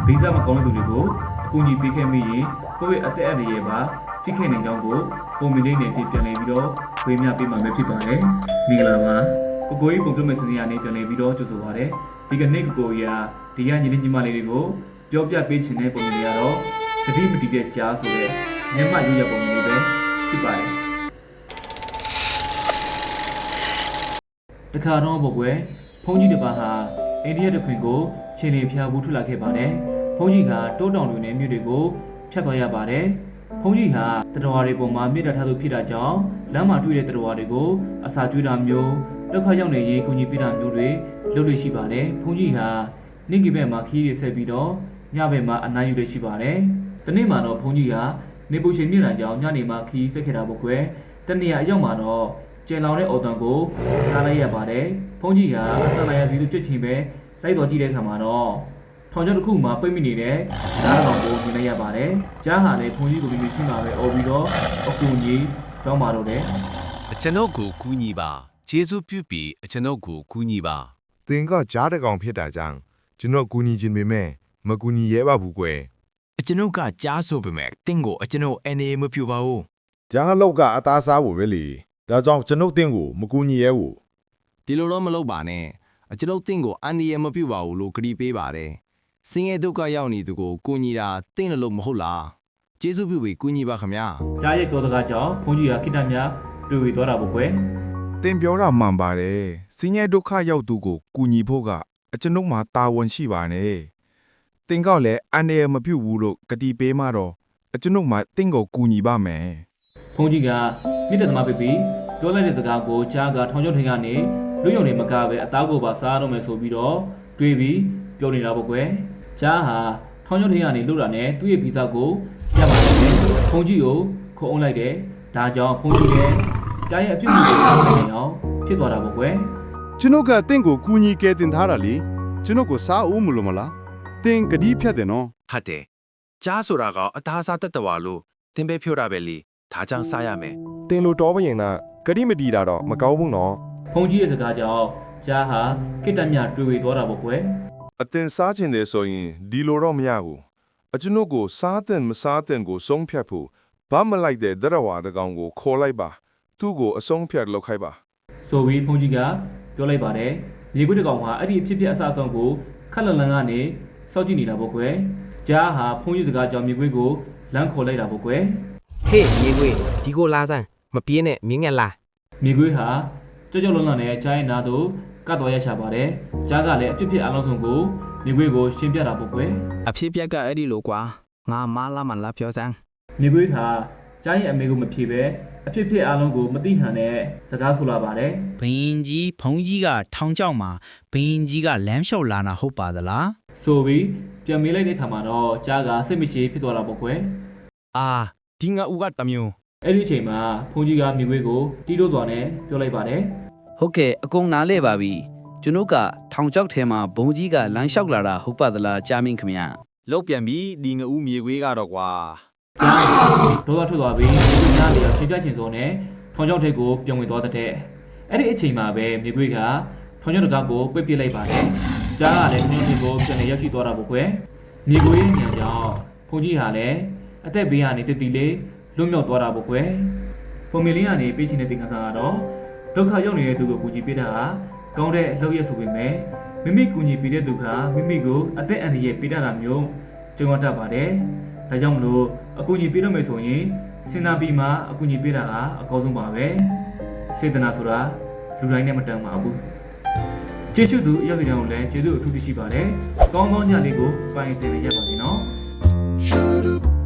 ဗီဇမကောင်းတဲ့သူတွေကိုအကူအညီပေးခဲ့မိရင်ကိုယ့်ရဲ့အသက်အန္တရာယ်ပါထိခိုက်နိုင်ကြောင်းကိုပုံမီလေးနဲ့ပြန်လည်ပြီးတော့ဝေမျှပေးမှာပဲဖြစ်ပါတယ်။မင်္ဂလာပါ။ကိုကြီးပုံပြမဲ့စနေရနေပြန်လည်ပြီးတော့ကြိုဆိုပါရစေ။ဒီကနေ့ကိုကြီးကဒီကညီလေးညီမလေးတွေကိုပြောပြပေးချင်တဲ့ပုံစံတွေကတော့သတိမတည်တဲ့ကြားဆိုတဲ့ညမရွရပုံလေးပဲဖြစ်ပါတယ်။တခါတော့ဘုကွယ်ဖုန်းကြီးတစ်ပါးဟာအိန္ဒိယတခွင်ကိုခြေနေဖျားဘူးထွက်လာခဲ့ပါတယ်။ဖုန်းကြီးကတိုးတောင်တွေနဲ့မြို့တွေကိုဖြတ်သွားရပါတယ်။ဖုန်းကြီးဟာတတော်တွေပေါ်မှာမြေတားထားသူဖြစ်တာကြောင့်လမ်းမှာတွေ့တဲ့တတော်တွေကိုအစာကျွေးတာမျိုးဒုက္ခရောက်နေရေးကူညီပေးတာမျိုးတွေလုပ်လို့ရှိပါတယ်။ဖုန်းကြီးဟာနေ့ကဘက်မှာခီးရဆက်ပြီးတော့ညဘက်မှာအနားယူရရှိပါတယ်။ဒီနေ့မှာတော့ဖုန်းကြီးကနေပူချိန်မြင့်တာကြောင့်ညနေမှာခီးဆက်ခဲ့တာပေါ့ကွယ်။တနေ့အရောက်မှာတော့ကျယ်လောင်တဲ့အော်တန်ကိုထားလိုက်ရပါတယ်။ဖုန်းကြီးဟာအတန်လာရစီတို့ကြွချင်ပဲလိုက်တော်ကြည့်တဲ့အခါမှာတော့ထောင်ချောက်တစ်ခုမှာပိတ်မိနေတဲ့ဓာတ်ကောင်ကိုမြင်လိုက်ရပါတယ်။ကြားဟာလည်းဖုန်းကြီးကိုပြီးရှင်းပါပဲအော်ပြီးတော့အကူကြီးတောင်းပါတော့တယ်။ကျွန်တော်ကိုကူညီပါ။ကျေးဇူးပြုပြီးကျွန်တော်ကိုကူညီပါ။သင်ကကြားတဲ့ကောင်ဖြစ်တာကြောင့်ကျွန်တော်ကူညီခြင်းပေမဲ့မကူညီရဲပါဘူးကွယ်။ကျွန်တော်ကကြားဆိုပေမဲ့တင်းကိုကျွန်တော်အနေမပြုပါဘူး။ကြားလောက်ကအသားစားဖို့ပဲလေ။ဒါကြောင့်ကျွန်တော်တင်းကိုမကူညီရဲဘူး။ဒီလိုတော့မလုပ်ပါနဲ့။ကျွန်တော်တင်းကိုအနေမပြုပါဘူးလို့ကတိပေးပါတယ်။စင်ရဲ့ဒုက္ခရောက်နေသူကိုကူညီတာတင်းလို့မဟုတ်လား။ကျေးဇူးပြုပြီးကူညီပါခင်ဗျာ။ကြားရဲ့တော်တကားကြောင့်ဘုန်းကြီးကခိတ္တများတွေ့ဝေသွားတာပေါ့ကွယ်။တင်ပြောတာမှန်ပါတယ်။စင်ရဲ့ဒုက္ခရောက်သူကိုကူညီဖို့ကအကျွန်ုပ်မှာတာဝန်ရှိပါနဲ့။တင်ကောက်လည်းအနေမပြုဘူးလို့ကတိပေးမှတော့အကျွန်ုပ်မှာတင်းကိုကူညီပါမယ်။ဘုန်းကြီးကမိတ္တသမားပြပြီးပြောလိုက်တဲ့စကားကိုကြားကထောင်ချောက်ထင်ကနေလူယုံနေမကပဲအသားကိုပါစားတော့မယ်ဆိုပြီးတော့တွေးပြီးပြောနေတာပေါ့ကွယ်ကြားဟာထောင်ချောက်ထင်ကနေလှုပ်တာနဲ့သူ့ရဲ့ဗီဇကိုရပါတယ်ဘုန်းကြီးကိုခုံအောင်လိုက်တယ်ဒါကြောင့်ဘုန်းကြီးရဲ့ကြားရဲ့အပြုတ်ကိုဆောင်နေအောင်ဖြစ်သွားတာပေါ့ကွယ်ကျွန်ုပ်ကတင့်ကိုကူညီကဲတင်ထားတာလေကျွန်ုပ်ကိုစားဦးမလို့မလားတင်ကတိဖြတ်တယ်နော်ဟုတ်တယ်ကြားဆိုတာကအသားစားတတ်တော်လို့တင်ပဲဖြိုးတာပဲလေဒါကြောင့်စားရမယ်တင်လိုတော်ပရင်နာကတိမတီတာတော့မကောင်းဘူးနော်ဖုန်းကြီးရဲ့စကားကြောင့်ကြားဟာကိတ္တမြတွေ့ဝေသွားတာပေါ့ကွယ်အတင်စားချင်တယ်ဆိုရင်ဒီလိုတော့မရဘူးအကျွန်ုပ်ကိုစားတဲ့မစားတဲ့ကိုဆုံးဖြတ်ဖို့ဘာမလိုက်တဲ့ဒရဝါတကောင်ကိုခေါ်လိုက်ပါသူ့ကိုအဆုံးဖြတ်လုပ်ခိုင်းပါဆိုပြီးဖုန်းကြီးကပြောလိုက်ပါတယ်မြေခွေးတကောင်ဟာအဲ့ဒီအဖြစ်အဆအဆုံးကိုခက်လန်လန်ကနေစောင့်ကြည့်နေတာပေါ့ကွယ်ကြားဟာဖုန်းကြီးစကားကြောင့်မြေခွေးကိုလမ်းခေါ်လိုက်တာပေါ့ကွယ်ဟေးမြေခွေးဒီကိုလာစမ်းမပြေးနဲ့မြင်းငက်လာမြေခွေးဟာကြောက်လွန်းလွန်းနဲ့ကြားရင်နာတို့ကတ်တော်ရချပါတယ်ကြားကလည်းအဖြစ်အလုံးစုံကိုမြေခွေးကိုရှင်းပြတာပေါ့ကွယ်အဖြစ်ပြက်ကအဲ့ဒီလိုကွာငါမလာမလာပြောစမ်းမြေခွေးဟာကြားရင်အမေကိုမဖြေပဲအဖြစ်အလုံးကိုမသိဟန်နဲ့စကားဆိုလာပါတယ်ဘင်းကြီးဖုံးကြီးကထောင်ချောက်မှာဘင်းကြီးကလမ်းလျှောက်လာတာဟုတ်ပါသလားဆိုပြီးပြန်မေးလိုက်တဲ့ခါမှာတော့ကြားကစိတ်မရှိဖြစ်သွားတာပေါ့ကွယ်အာဒီငါဦးကတမျိုးအဲ့ဒီအချိန်မှာဖုန်းကြီးကမြေခွေးကိုတီးလို့သွားနဲ့ပြောလိုက်ပါတယ်ဟုတ်ကဲ့အကုန်နားလဲပါပြီကျွန်ုပ်ကထောင်ချောက်ထဲမှာဘုံကြီးကလမ်းလျှောက်လာတာဟုတ်ပါသလားကြားမင်းခင်ဗျလောက်ပြန်ပြီဒီငါဦးမြေခွေးကတော့ကွာဒေါသထွက်သွားပြီးနားလေချင်းပြချင်းစောနဲ့ထောင်ချောက်ထိပ်ကိုပြန်ဝင်သွားတဲ့အဲ့ဒီအချိန်မှာပဲမြေခွေးကထောင်ချောက်တကားကိုပိတ်ပစ်လိုက်ပါတယ်ကြားကလည်းထောင်ချောက်ထိပ်ကိုပြန်လည်ရောက်ရှိသွားတာပေါ့ကွယ်မြေခွေးညံကြောင့်ဖုန်းကြီးဟာလည်းအသက်ဘေးကနေတတိလေးလွတ်မြောက်သွားတာပေါ့ကွယ်ပုံမီလေးကနေပေးချင်တဲ့သင်္ကန်းစာကတော့ဒုက္ခရောက်နေတဲ့သူကိုကူညီပေးတာဟာကောင်းတဲ့အလုပ်ရဆိုပေမဲ့မိမိကူညီပေးတဲ့သူကမိမိကိုအသက်အန္တရာယ်ပေးတတ်တာမျိုးကြုံရတတ်ပါတယ်ဒါကြောင့်မလို့အကူအညီပေးရမယ်ဆိုရင်စဉ်းစားပြီးမှအကူအညီပေးတာကအကောင်းဆုံးပါပဲစေတနာဆိုတာလူတိုင်းနဲ့မတန်ပါဘူးကျေးဇူးသူအရောက်ကြတဲ့လည်းကျေးဇူးအထူးရှိပါတယ်ကောင်းသောညလေးကိုပိုင်စင်ရရပါစေနော်